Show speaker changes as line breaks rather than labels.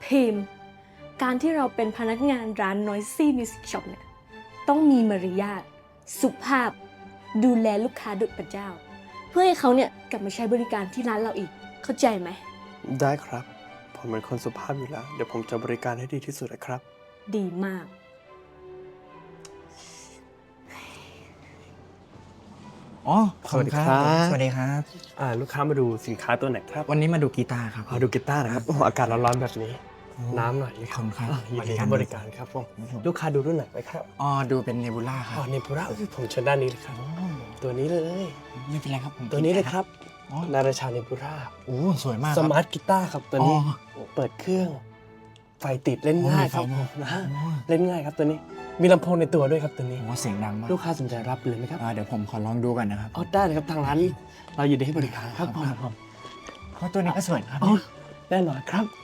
ทีมการที่เราเป็นพนักงานร้าน Noisy Music Shop เนี่ยต้องมีมารยาทสุภาพดูแลลูกค้าดุจพระเจ้า เพื่อให้เขาเนี่ยกลับมาใช้บริการที่ร้านเราอีกเข้าใจไหม
ได้ครับ ผมเป็นคนสุภาพอยู่แล้ว เดี๋ยวผมจะบริการให้ดีที่สุดนะครับ
ดีมาก
อ๋อขอบณ
สวัสดีครับ
สวัสดีครับ
ลูกค้ามาดูสินค้าตัวไหนครับ
วันนี้มาดูกีตาร์ครับ
ดูกีตาร์นะครับโอ้โหอากาศร้อนๆแบบนี้ น้ำหน่อย
ขอบคุณครับ
ยินดีให้บริการครับผมลูกค้าดูรุ่นไหนไปครับ
อ๋อดูเป็นเนบูล่าครั
อ๋
บ
อเนปูระผมเชิญด้านนี้เลยครับ ตัวนี้เลย
ไม่เป็นไรครับผม
ตัวนี้เลยครับ
อ๋อ
นาราชาเนปูระ
โอ้สวยมากค
ส
รับ
มาร์ทกีตาร์ครับตัวนี้
อ๋อ
เปิดเครื่อง ไฟติดเล่นง่ายครับ
โอ้
ผม
มีไฟ
นะฮะ
โอ้
เล่นง่ายครับตัวนี้ มีลำโพงในตัวด้วยครับตัวนี้
โอ้เสียงดังมาก
ลูกค้าสนใจรับเลยไหมครับ
เดี๋ยวผมขอลองดูก่อนนะครับ
อ๋อได้เลยครับทางร้านเรายินดีให้บริการครับผม
เพราะตัวนี้ก็สวยนะครับ
อ๋อแน่นอนครับ